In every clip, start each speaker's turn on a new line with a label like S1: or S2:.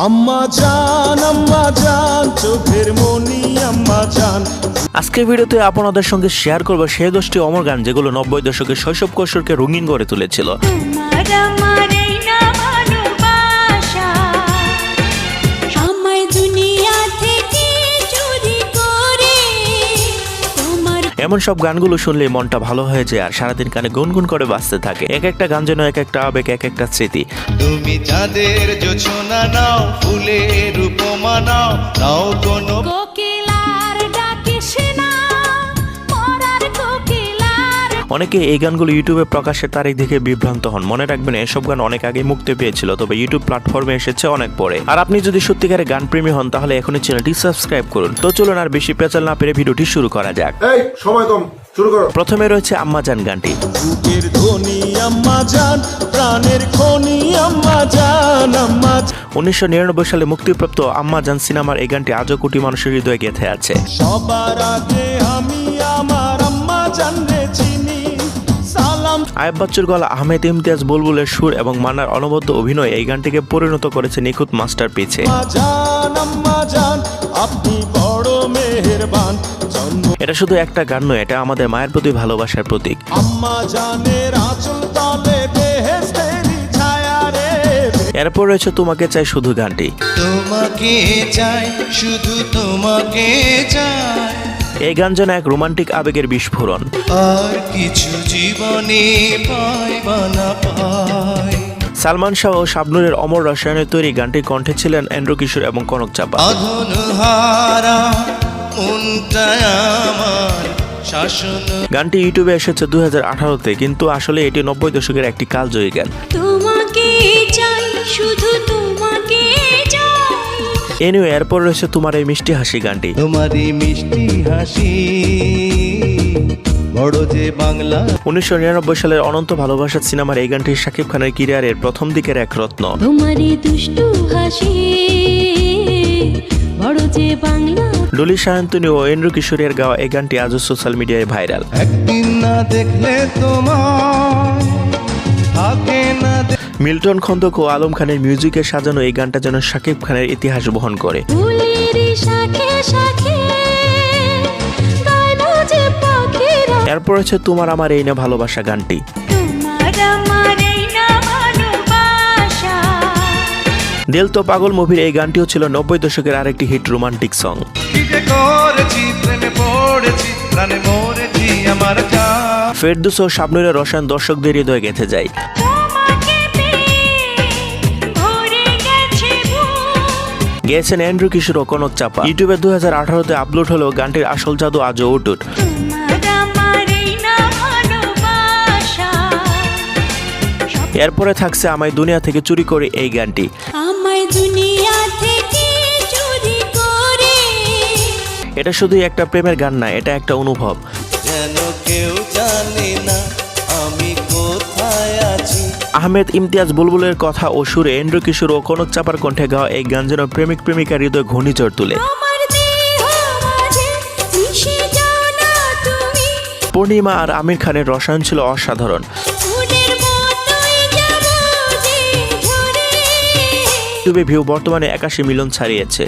S1: আম্মা জান চোখের মনি আম্মা জান।
S2: আজকের ভিডিওতে আপনাদের সঙ্গে শেয়ার করব সেই 10টি অমর গান যেগুলো 90 দশকের শৈশব কৈশোরকে রঙিন করে তুলেছিল। এমন সব গানগুলো শুনলে মনটা ভালো হয়ে যায় আর সারাদিন কানে গুনগুন করে বাজতে থাকে। এক একটা গান যেন এক একটা আবেগ, এক একটা স্মৃতি।
S3: তুমি চাঁদের জোছনা নাও, ফুলের উপমা নাও, নাও কোনো
S2: অনেকে এই গানগুলো ইউটিউবে প্রকাশের তারিখ দেখে বিভ্রান্ত হন। মনে রাখবেন এসব গান অনেক আগে মুক্তি পেয়েছিল, তবে ইউটিউব প্ল্যাটফর্মে এসেছে অনেক পরে। আর আপনি যদি সত্যিকারের গান প্রেমী হন তাহলে এখনই চ্যানেলটি সাবস্ক্রাইব করুন। তো চলুন আর বেশি পেঁচাল না পেরে ভিডিওটি শুরু করা যাক।
S1: এই সময় কম, শুরু করো।
S2: প্রথমে রয়েছে আম্মা জান গানটি।
S1: বুকের ধ্বনি আম্মা জান, প্রাণের খনি আম্মা জান, আম্মা জান।
S2: 1999 সালে মুক্তিপ্রাপ্ত আম্মা জান সিনেমার এই গানটি আজও কোটি মানুষের হৃদয়ে গেঁথে আছে।
S1: সবার আগে আমি আমার আম্মা জানরে চিনি। সালাম।
S2: আয়েব বাচ্চুর গলা, আহমেদ ইমতিয়াজ বুলবুলের সুর এবং মান্নার অনবদ্য অভিনয় এই গানটিকে পরিণত করেছে নিখুঁত মাস্টারপিসে।
S1: আম্মা জান আপনি বড় মেহেরবান।
S2: এটা শুধু একটা গান নয়, এটা আমাদের মায়ের প্রতি ভালোবাসার প্রতীক।
S1: আম্মা জানের আঁচল তলে বেহেশতেরি ছায়া রে।
S2: এরপর রয়েছে তোমাকে চাই শুধু গানটি।
S3: তোমাকে চাই, শুধু তোমাকে চাই,
S2: এই গান যেন এক রোমান্টিক আবেগের বিস্ফোরণ।
S3: আর কিছু জীবনে পাই বা না পাই।
S2: সালমান শাহ ও শাবনূরের অমর রসায়নের তৈরি গানটির কণ্ঠে ছিলেন এন্ড্রু কিশোর এবং কনক চাপা।
S3: আধনহারা মনটা আমার শাসন।
S2: গানটি ইউটিউবে এসেছে 2018-তে, কিন্তু আসলে এটি 90 দশকের একটি কালজয়ী গান।
S4: তোমাকে চাই, শুধু তোমাকে চাই।
S2: এনিওয়ে, এরপর রয়েছে তোমার এই মিষ্টি হাসি গানটি।
S3: তোমার এই মিষ্টি হাসি বড় যে বাংলা।
S2: 1999 সালের অনন্ত ভালোবাসা সিনেমার এই গানটি শাকিব খানের ক্যারিয়ারের প্রথম দিকের এক রত্ন।
S4: তোমার এই দুষ্টু হাসি বড় যে বাংলা।
S2: ডলি সায়ন্তনী ও এন্ড্রু কিশোরের গাওয়া এই গানটি আজও সোশ্যাল মিডিয়ায় ভাইরাল।
S3: একদিন না দেখলে তোমার থাকে না।
S2: মিল্টন খন্দক ও আলম খানের মিউজিকে সাজানো এই গানটা যেন শাকিব খানের ইতিহাস বহন করে। এরপর হচ্ছে তোমার আমার এই না ভালোবাসা গানটি। দিল তো পাগল মুভির এই গানটিও ছিল 90 দশকের আরেকটি হিট রোমান্টিক সং। ফেরদৌস ও শাবনূরের রসায়ন দর্শকদের হৃদয়ে গেঁথে যায়। গেয়েছেন এন্ড্রু কিশোর ও কনক চাপা। ইউটিউবে 2018-তে আপলোড হলেও গানটির আসল জাদু আজও অটুট। এরপরে থাকছে আমায় দুনিয়া থেকে চুরি করে এই গানটি। এটা শুধুই একটা প্রেমের গান না, এটা একটা অনুভব।
S3: যেন কেউ জানে না আমি কোথায় আছি।
S2: আহমেদ ইমতিয়াজ বুলবুলের কথা ও সুরে এন্ড্রু কিশোর ও কনক চাপার কণ্ঠে গাওয়া এই গান যেন প্রেমিক প্রেমিকার হৃদয় ঘূর্ণিঝড় তুলে। পূর্ণিমা আর আমির খানের রসায়ন ছিল অসাধারণ। ইউটিউবে ভিউ বর্তমানে 81 মিলিয়ন ছাড়িয়েছে।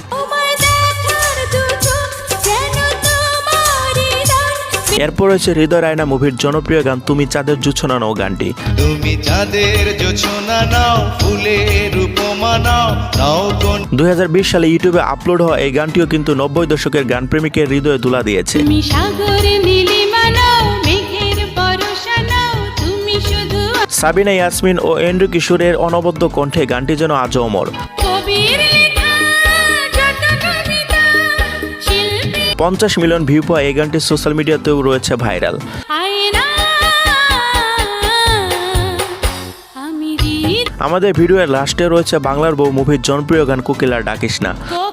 S2: এরপর রয়েছে হৃদয় রায়না মুভির জনপ্রিয় গান তুমি চাঁদের জোছনা নাও গানটি।
S3: তুমি চাঁদের জোছনা নাও, ফুলের উপমা নাও, নাও কোন।
S2: 2020 সালে ইউটিউবে আপলোড হওয়া এই গানটিও কিন্তু 90 দশকের গান প্রেমিকের হৃদয়ে দুলা দিয়েছে। সাবিনা ইয়াসমিন ও এন্ড্রু কিশোরের অনবদ্য কণ্ঠে গানটি যেন আজও অমর। 50 মিলিয়ন ভিউ পাওয়া এই গানটি সোশ্যাল মিডিয়াতেও রয়েছে ভাইরাল। আমাদের ভিডিওর লাস্টে রয়েছে বাংলার বউ মুভির জনপ্রিয় গান কোকিলার ডাকিস না।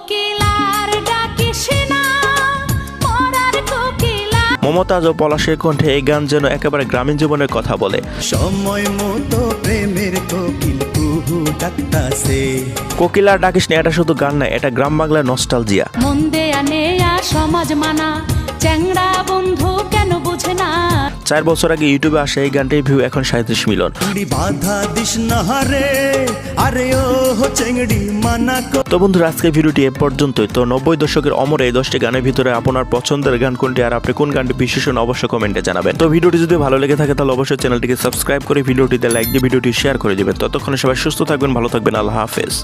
S2: মমতাজ ও পলাশের কণ্ঠে এই গান যেন একেবারে গ্রামীণ জীবনের কথা বলে।
S3: সময় মতো প্রেমের কোকিল কুহু ডাকতাছে।
S2: কোকিলার ডাকিস না এটা শুধু গান না, এটা গ্রাম বাংলার নস্টালজিয়া।
S4: মন্দে আনে সমাজ মানা চ্যাংড়া বন্ধু কেন বুঝ না
S2: 4 বছর আগে ইউটিউবে আসা এই গানটির ভিউ এখন 37 মিলিয়ন।
S1: চিংড়ি বাধা দিস না রে, আরে ও চিংড়ি মানা
S2: তো বন্ধুরা আজকের ভিডিওটি এ পর্যন্তই। তো 90 দশকের অমর এই 10টি গানের ভিতরে আপনার পছন্দের গান কোনটি আর আপনি কোন গানটি বিশেষণ অবশ্যই কমেন্টে জানাবেন। তো ভিডিওটি যদি ভালো লেগে থাকে তাহলে অবশ্যই চ্যানেলটিকে সাবস্ক্রাইব করে ভিডিওটিতে লাইক দিয়ে ভিডিওটি শেয়ার করে দিবেন। ততক্ষণে সবাই সুস্থ থাকবেন, ভালো থাকবেন, আল্লাহ হাফেজ।